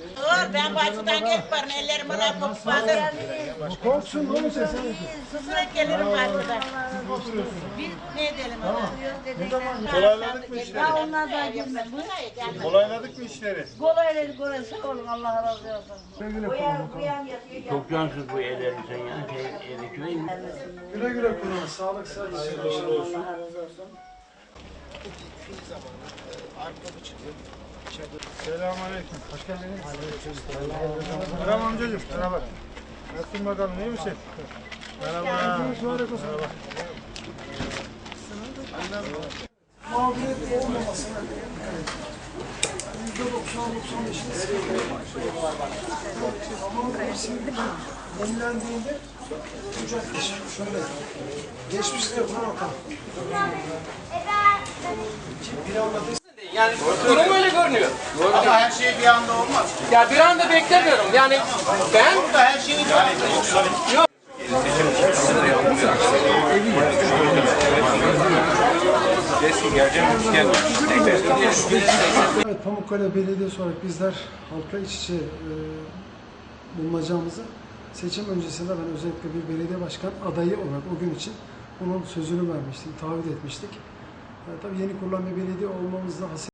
Ben bahçeden gelip varım, ellerim bana kokmadı. Korksun, ne olacak sen? Susurak gelirim bahçeden. Biz ne edelim ona? Kolayladık mı işleri? Ya onlar da girmez. Kolayladık mı işleri? Kolayları kolay sağ olun, Allah razı olsun. Çok cansız bu evlerin sen ya. Evi köyün. Güle güle kullan. Sağlık, sıhhat için. Allah razı olsun. Selamünaleyküm. Hoş geldiniz. Merhaba amcacığım. Merhaba. Nasılsın bakalım, iyi misin? Merhaba. Merhaba. Mağduriyet olmamasına %90-95'ini sıkıntı. Ama şimdi yenilendiğinde kucaklaşır. Şöyle. Geçmişte yapılan hata. Bir anlatırsa Yani durum öyle görünüyor. Ama her şey bir anda olmaz. Ya bir anda beklemiyorum. Yani ben Burada her şeyin yok. Evet, Pamukkale Belediyesi olarak bizler halka iç içe bulunacağımızı seçim öncesinde ben özellikle bir belediye başkan adayı olarak o gün için onun sözünü vermiştik, taahhüt etmiştik. Tabii yeni kurulan bir belediye olmamızda